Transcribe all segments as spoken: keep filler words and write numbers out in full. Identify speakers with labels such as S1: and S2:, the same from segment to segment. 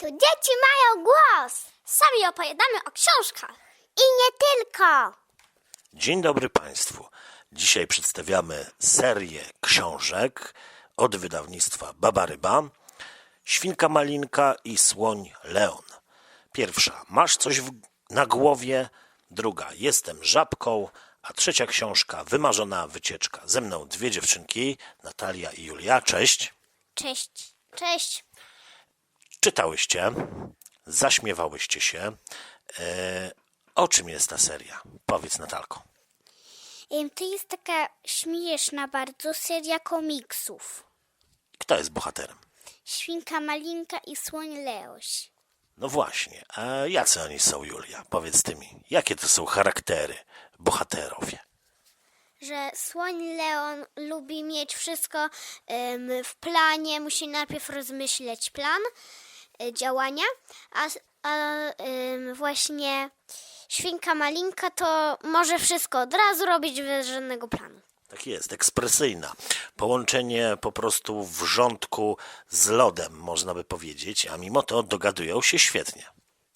S1: Tu dzieci mają głos. Sami opowiadamy o książkach. I nie tylko.
S2: Dzień dobry Państwu. Dzisiaj przedstawiamy serię książek od wydawnictwa Baba Ryba, Świnka Malinka i Słoń Leon. Pierwsza, Masz coś w, na głowie? Druga, Jestem żabką. A trzecia książka, Wymarzona wycieczka. Ze mną dwie dziewczynki, Natalia i Julia. Cześć.
S1: Cześć. Cześć.
S2: Czytałyście, zaśmiewałyście się. E, o czym jest ta seria? Powiedz, Natalko.
S1: Ym, To jest taka śmieszna bardzo seria komiksów.
S2: Kto jest bohaterem?
S1: Świnka Malinka i Słoń Leoś.
S2: No właśnie, a jacy oni są, Julia? Powiedz ty mi, jakie to są charaktery, bohaterowie?
S1: Że Słoń Leon lubi mieć wszystko ym, w planie, musi najpierw rozmyśleć plan y, działania, a, a ym, właśnie Świnka Malinka to może wszystko od razu robić bez żadnego planu.
S2: Tak jest, ekspresyjna. Połączenie po prostu wrzątku z lodem, można by powiedzieć, a mimo to dogadują się świetnie.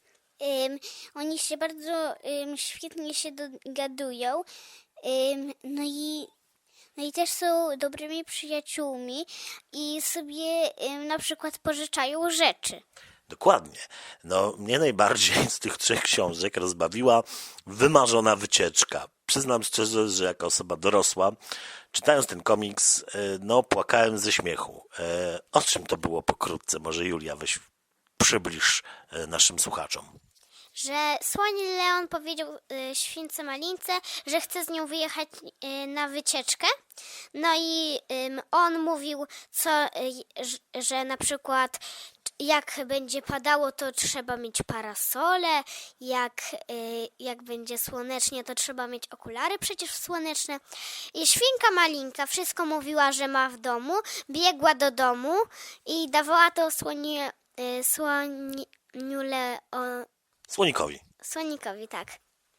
S1: Ym, oni się bardzo ym, świetnie się dogadują, ym, no i no i też są dobrymi przyjaciółmi i sobie ym, na przykład pożyczają rzeczy.
S2: Dokładnie. No, mnie najbardziej z tych trzech książek rozbawiła Wymarzona wycieczka. Przyznam szczerze, że jako osoba dorosła, czytając ten komiks, no płakałem ze śmiechu. O czym to było pokrótce? Może Julia, weź przybliż naszym słuchaczom.
S1: Że Słoń Leon powiedział y, Śwince Malince, że chce z nią wyjechać y, na wycieczkę. No i ym, on mówił, co, y, że, że na przykład jak będzie padało, to trzeba mieć parasole, jak, y, jak będzie słonecznie, to trzeba mieć okulary przecież słoneczne. I Świnka Malinka wszystko mówiła, że ma w domu, biegła do domu i dawała to słonie, y, słoniu Leon,
S2: Słonikowi.
S1: Słonikowi, tak.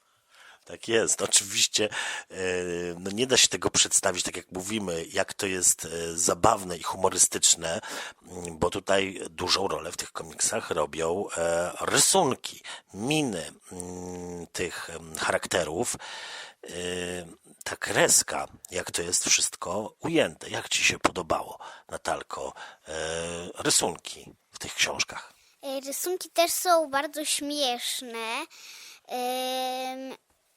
S2: Tak jest, oczywiście e, no nie da się tego przedstawić, tak jak mówimy, jak to jest e, zabawne i humorystyczne, m, bo tutaj dużą rolę w tych komiksach robią e, rysunki, miny m, tych m, charakterów, e, ta kreska, jak to jest wszystko ujęte. Jak Ci się podobało, Natalko, e, rysunki w tych książkach?
S1: Y, Rysunki też są bardzo śmieszne. Ym,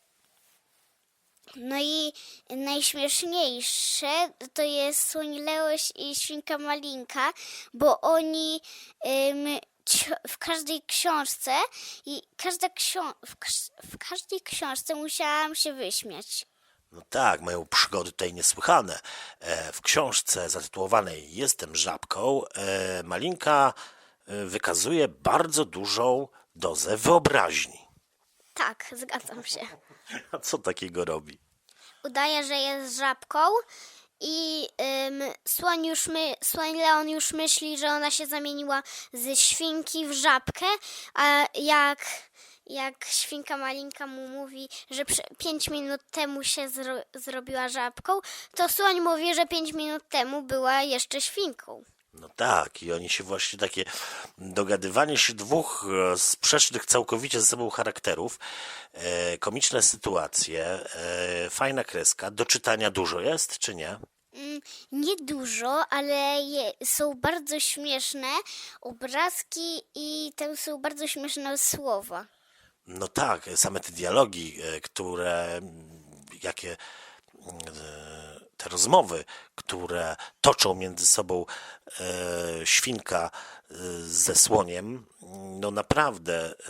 S1: No i najśmieszniejsze to jest Słoń Leoś i Świnka Malinka, bo oni ym, cio- w każdej książce i każda ksią- w, każ- w każdej książce musiałam się wyśmiać.
S2: No tak, mają przygody tutaj niesłychane. E, w książce zatytułowanej Jestem żabką e, Malinka e, wykazuje bardzo dużą dozę wyobraźni.
S1: Tak, zgadzam się.
S2: A co takiego robi?
S1: Udaje, że jest żabką i ym, słoń, już my, słoń Leon już myśli, że ona się zamieniła ze świnki w żabkę, a jak, jak Świnka Malinka mu mówi, że przy, pięć minut temu się zro, zrobiła żabką, to słoń mówi, że pięć minut temu była jeszcze świnką.
S2: No tak, i oni się właśnie takie dogadywanie się dwóch e, sprzecznych całkowicie ze sobą charakterów, e, komiczne sytuacje, e, fajna kreska, do czytania dużo jest, czy nie?
S1: Mm, Niedużo, ale je, są bardzo śmieszne obrazki i tam są bardzo śmieszne słowa.
S2: No tak, same te dialogi, e, które, mm, jakie e, te rozmowy, które toczą między sobą e, świnka e, ze słoniem, no naprawdę e,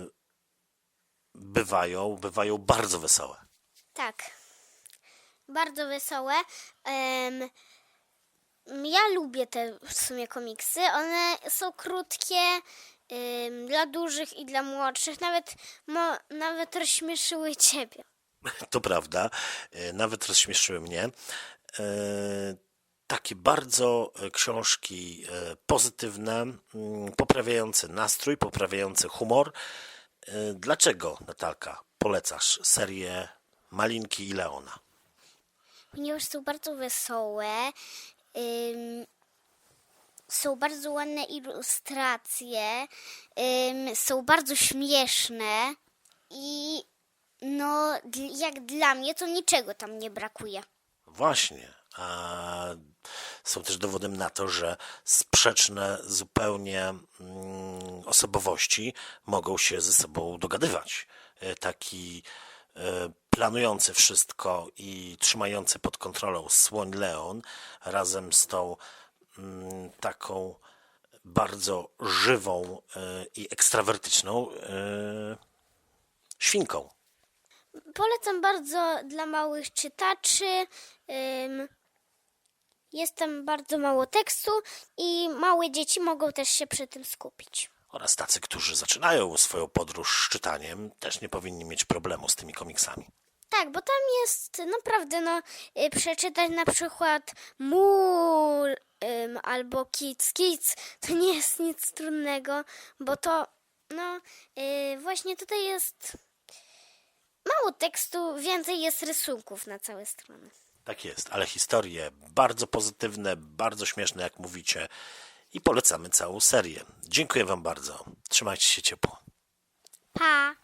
S2: bywają, bywają bardzo wesołe.
S1: Tak, bardzo wesołe. Em, ja lubię te w sumie komiksy. One są krótkie, em, dla dużych i dla młodszych. Nawet, mo, nawet rozśmieszyły ciebie.
S2: To prawda, e, nawet rozśmieszyły mnie. E, Takie bardzo e, książki e, pozytywne, mm, poprawiające nastrój, poprawiające humor. E, Dlaczego, Natalka, polecasz serię Malinki i Leona?
S1: Ponieważ są bardzo wesołe. Ym, są bardzo ładne ilustracje, ym, są bardzo śmieszne i no, dl- jak dla mnie to niczego tam nie brakuje.
S2: Właśnie. A są też dowodem na to, że sprzeczne zupełnie mm, osobowości mogą się ze sobą dogadywać. E, Taki e, planujący wszystko i trzymający pod kontrolą słoń Leon razem z tą mm, taką bardzo żywą e, i ekstrawertyczną e, świnką.
S1: Polecam bardzo dla małych czytaczy. Ym, jest tam bardzo mało tekstu i małe dzieci mogą też się przy tym skupić.
S2: Oraz tacy, którzy zaczynają swoją podróż z czytaniem, też nie powinni mieć problemu z tymi komiksami.
S1: Tak, bo tam jest naprawdę, no, y, przeczytać na przykład Mu ym, albo Kids Kids, to nie jest nic trudnego, bo to, no, y, właśnie tutaj jest mało tekstu, więcej jest rysunków na całe strony.
S2: Tak jest, ale historie bardzo pozytywne, bardzo śmieszne, jak mówicie, i polecamy całą serię. Dziękuję Wam bardzo. Trzymajcie się ciepło.
S1: Pa!